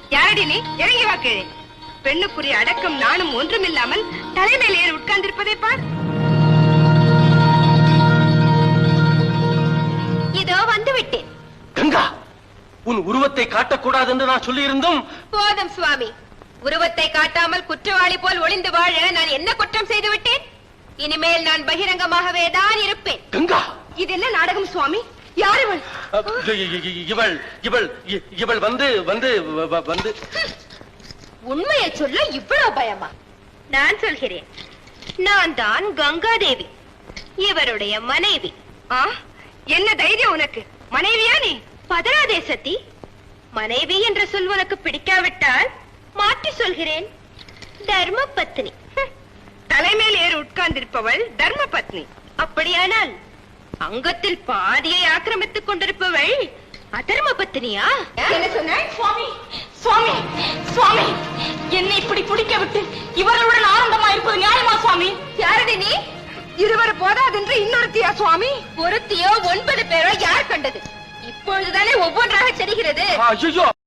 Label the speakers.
Speaker 1: யாரடி நீ? இறங்கி வா கீழே. பெண்ணுக்குரிய அடக்கம் நானும் ஒன்றுமில்லாமல் தலைமையில் ஏறி உட்கார்ந்திருப்பதை பார். இதோ வந்து விட்டேன்.
Speaker 2: கங்கா, உன் உருவத்தை காட்டக்கூடாது என்று நான் சொல்லி இருந்தும்.
Speaker 1: போதும் சுவாமி, உருவத்தை காட்டாமல் குற்றவாளி போல் ஒளிந்து வாழ நான் என்ன குற்றம் செய்து விட்டேன்? இனிமேல் நான் பகிரங்கமாகவே தான் இருப்பேன்.
Speaker 2: கங்கா,
Speaker 1: இது என்ன நாடகம் சுவாமி? யார் இவள்?
Speaker 2: இவள் இவள் இவள் வந்து வந்து வந்து
Speaker 1: உண்மையை சொல்ல இவ்வளவு பயமா? நான் சொல்கிறேன், நான் தான் கங்காதேவி, இவருடைய மனைவி. என்ன தைரியம் உனக்கு? மனைவியா நீ? பதராதே சதி. மனைவி என்ற சொல் உனக்கு பிடிக்காவிட்டால் மாற்றி சொல்கிறேன், தர்ம பத்னி. தலைமையில் ஏறி உட்கார்ந்திருப்பவள் தர்ம பத்னி. அப்படியானால் அங்கத்தில் பாதியை ஆக்கிரமித்துக் கொண்டிருப்பவள் அதர்ம பத்னியா? என்ன சொன்ன?
Speaker 3: சுவாமி சுவாமி சுவாமி, என்னை இப்படி பிடிக்க விட்டு இவர்களுடன் ஆனந்தமா இருப்பது நியாயமா சுவாமி?
Speaker 1: யாரடி நீ? இருவர் போதாதென்று இன்னொருத்தியா சுவாமி? ஒருத்தியோ 9 பேரோ யார் கண்டது? இப்பொழுதுதானே ஒவ்வொன்றாக தெரிகிறது.
Speaker 2: ஐயோ,